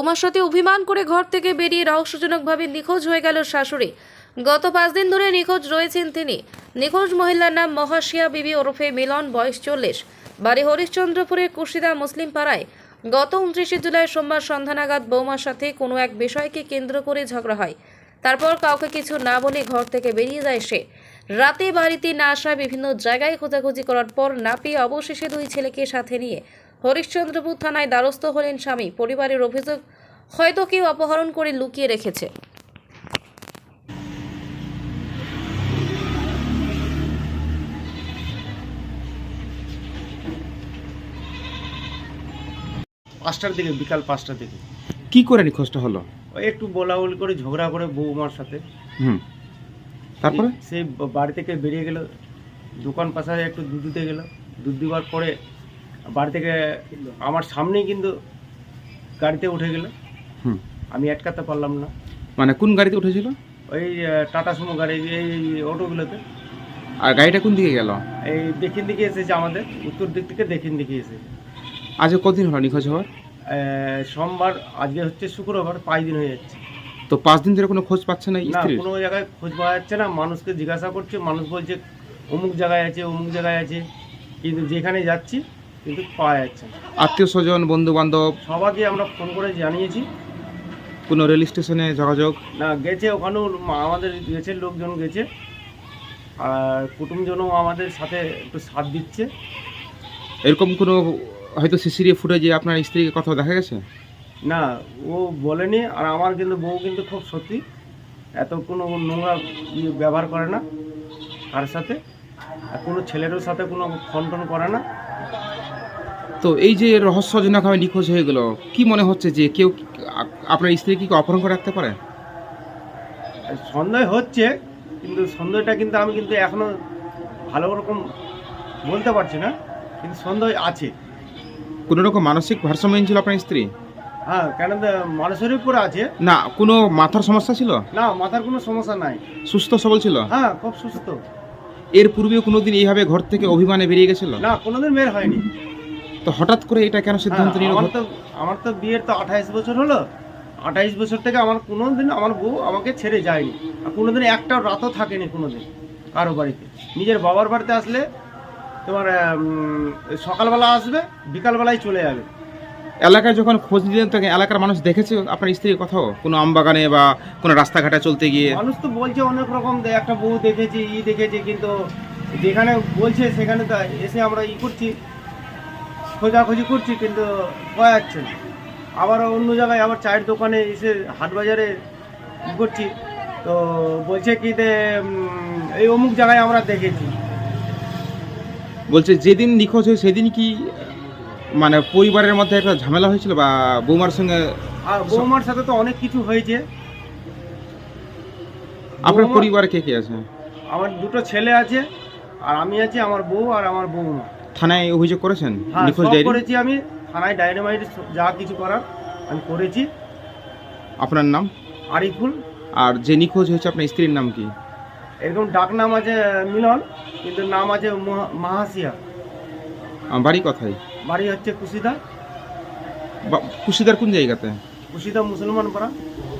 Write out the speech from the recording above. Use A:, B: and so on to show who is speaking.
A: বৌমার সাথে অভিমান করে ঘর থেকে বেরিয়ে রহস্যজনকভাবে নিখোঁজ হয়ে গেল শাশুড়ি। গত 5 দিন ধরে নিখোঁজ রয়েছেন তিনি। নিখোঁজ মহিলার নাম মহাশিয়া বিবি ওরফে মিলন, বয়স 40, বাড়ি হরিশ্চন্দ্রপুরের কুশিদা মুসলিম পাড়ায়। গত 29 জুলাই সোমবার সন্ধ্যা নাগাদ বৌমার সাথে কোনো এক বিষয়কে কেন্দ্র করে ঝগড়া হয়। তারপর কাউকে কিছু না বলে ঘর থেকে বেরিয়ে যায় সে। রাতে বাড়িতে না আসা বিভিন্ন জায়গায় খোঁজাখুঁজি করার পর না পেয়ে অবশেষে 2 ছেলেকে সাথে নিয়ে হরিশ্চন্দ্রপুর থানায় দ্বারস্থ হলেন স্বামী। পরিবারের অভিযোগ, হয়তো কেউ অপহরণ করে লুকিয়ে রেখেছে।
B: পাঁচটার দিকে, বিকাল 5টার দিকে
C: কি করে নিখোঁজটা হলো?
B: ওই একটু বলাবলি করে ঝগড়া করে বৌমার সাথে।
C: তারপরে
B: সে বাড়ি থেকে বেরিয়ে গেল, দোকান পাশে একটু দুধ দিতে গেল। দুধ দেওয়ার পরে বাড়ি থেকে আমার সামনেই কিন্তু গাড়িতে উঠে গেল। আমি আটকাতে পারলাম না।
C: মানে কোন গাড়িতে উঠেছিল?
B: ওই টাটা সুমো গাড়ি, এই অটোগুলোতে।
C: আর গাড়িটা কোন দিকে গেল?
B: এই দক্ষিণ দিকে এসেছে, আমাদের উত্তর দিক থেকে দক্ষিণ দিকে এসেছে।
C: আজ কতদিন হলো নিখোঁজ হওয়ার?
B: সোমবার, আজকে হচ্ছে শুক্রবার, 5 দিন হয়ে যাচ্ছে।
C: তো 5 দিন ধরে কোনো খোঁজ পাচ্ছে না
B: না,
C: স্ত্রীর?
B: কোনো জায়গায় খোঁজ পাওয়া যাচ্ছে না। মানুষকে জিজ্ঞাসা করছে, মানুষ বলছে অমুক জায়গায় আছে, অমুক জায়গায় আছে, কিন্তু যেখানে যাচ্ছি কিন্তু পাওয়া যাচ্ছে না।
C: আত্মীয় স্বজন, বন্ধু বান্ধব
B: সবাইকে আমরা ফোন করে জানিয়েছি।
C: কোনো রেল স্টেশনে যোগাযোগ?
B: না, গেছে ওখানেও, আমাদের গেছে, লোকজন গেছে, আর কুটুমজনও আমাদের সাথে একটু সাথ দিচ্ছে।
C: এরকম কোনো হয়তো সিসিটিভি ফুটেজে আপনার স্ত্রীকে কথা দেখা গেছে?
B: না, ও বলেনি। আর আমার কিন্তু বউ কিন্তু খুব সত্যি, এত কোনো নোংরা ব্যবহার করে না কার সাথে, আর কোনো ছেলেরও সাথে কোনো ফোন টোন করে না।
C: তো এই যে রহস্যজনকভাবে নিখোঁজ হয়ে গেল, কি মনে হচ্ছে যে কেউ আপনার স্ত্রী কি অপহরণ করে রাখতে পারে?
B: সন্দেহ হচ্ছে, কিন্তু সন্দেহটা কিন্তু আমি কিন্তু এখনো ভালো রকম বলতে পারছি না, কিন্তু সন্দেহ আছে।
C: কোনো রকম মানসিক ভারসাম্যহীন ছিল আপনার স্ত্রী?
B: হ্যাঁ, কেন মানুষের উপরে আছে।
C: না, কোনো মাথার সমস্যা ছিল?
B: না, মাথার কোনো সমস্যা নাই,
C: সুস্থ সবল ছিল?
B: হ্যাঁ, খুব সুস্থ।
C: এর পূর্বেও কোনোদিন এইভাবে ঘর থেকে অভিমানে বেরিয়ে গেছিল?
B: না, কোনোদিন বের হয়নি।
C: তো হঠাৎ করে এটা কেন সিদ্ধান্ত নিল?
B: আমার তো বিয়ের তো 28 বছর হলো। 28 বছর থেকে আমার কোনোদিন আমার বউ আমাকে ছেড়ে যায়নি, আর কোনোদিন একটা রাতও থাকেনি কোনোদিন কারো বাড়িতে। নিজের বাবার বাড়িতে আসলে তোমার সকালবেলা আসবে, বিকালবেলায় চলে যাবে।
C: এলাকায় যখন খোঁজ দিলেন তখন এলাকার মানুষ দেখেছে আপনার স্ত্রীর কোথাও কোনো আমবাগানে বা কোনো রাস্তাঘাটে চলতে গিয়ে?
B: মানুষ তো বলছে অনেক রকম, একটা বউ দেখেছি, দেখেছি, কিন্তু যেখানে বলছে সেখানে তো এসে আমরা করছি, খোঁজাখুঁজি করছি, কিন্তু পাওয়া যাচ্ছে না। আবার অন্য জায়গায়, আবার চায়ের দোকানে এসে হাট বাজারে করছি, তো বলছে কি যে এই অমুক জায়গায় আমরা দেখেছি।
C: বলছে যেদিন নিখোঁজ হয় সেদিন কি মানে পরিবারের মধ্যে একটা ঝামেলা হয়েছিল বা বৌমার সঙ্গে?
B: আর বৌমার সাথে তো অনেক কিছু হয়েছে।
C: আপনার পরিবারে কে কে আছে?
B: আমার 2টো ছেলে আছে, আর আমি আছি, আমার বউ আর আমার বৌমা।
C: থানায় অভিযোগ করেছেন?
B: হ্যাঁ,
C: নিখোঁজ
B: সব
C: ডায়েরি
B: করেছি আমি থানায়, ডায়নামাইট যা কিছু করার আমি করেছি।
C: আপনার নাম?
B: আরিফুল।
C: আর যে নিখোঁজ হয়েছে আপনার স্ত্রীর নাম কি?
B: এরকম ডাক নাম আছে মিলন, কিন্তু নাম আছে মাহাসিয়া।
C: বাড়ি কোথায়?
B: বাড়ি হচ্ছে কুশিদা।
C: কুশিদার কোন জায়গাতে?
B: কুশিদা মুসলমান পাড়া।